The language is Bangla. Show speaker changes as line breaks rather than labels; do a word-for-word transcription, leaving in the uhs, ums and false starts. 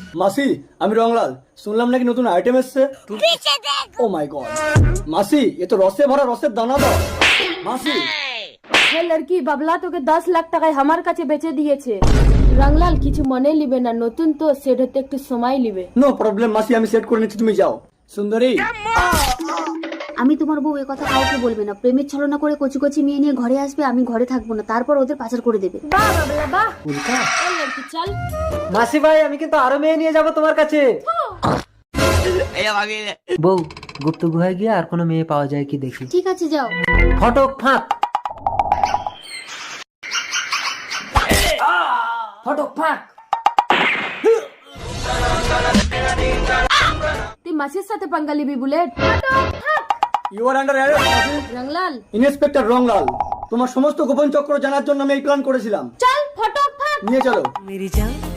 মাসি আমি রংলাল, শুনলাম নাকি নতুন আইটেম এসছে। ও মাই গড মাসি, এ তো রসে ভরা রসের দানা দাও। মাসি
হে লড়কি বাবলা তোকে দশ লাখ টাকায় আমার কাছে বেচে দিয়েছে। রংলাল কিছু মনে লিবে না, নতুন তো সেট হতে একটু সময় লিবে।
নো প্রবলেম মাসি, আমি সেট করে নিচ্ছি, তুমি যাও। সুন্দরী
আমি তোমার বউ এ কথা কাউকে বলবে না। প্রেমের ছলনা করে কচি কচি মেয়ে নিয়ে ঘরে আসবে, আমি ঘরে থাকবো না, তারপর ওদের পাচার করে দেবে।
বাহ বাবলা বাহ। এ লড়কি চল।
মাসি ভাই আমি কিন্তু আরো মেয়ে নিয়ে যাব তোমার কাছে। বউ গুপ্ত গুহায় গিয়ে আর কোনো মেয়ে পাওয়া যায় কি দেখি।
ঠিক আছে যাও।
ফটক ফাঁক ফটক ফাঁক।
তুই মাসির সাথে পাঙ্গা লিবি bullet?
You are under arrest মাসি।
রংলাল
ইন্সপেক্টর রংলাল, তোমার সমস্ত গোপন চক্র জানার জন্য আমি এই প্ল্যান করেছিলাম।
চল ফটক ফাট।
নিয়ে চলো।
মেরি জান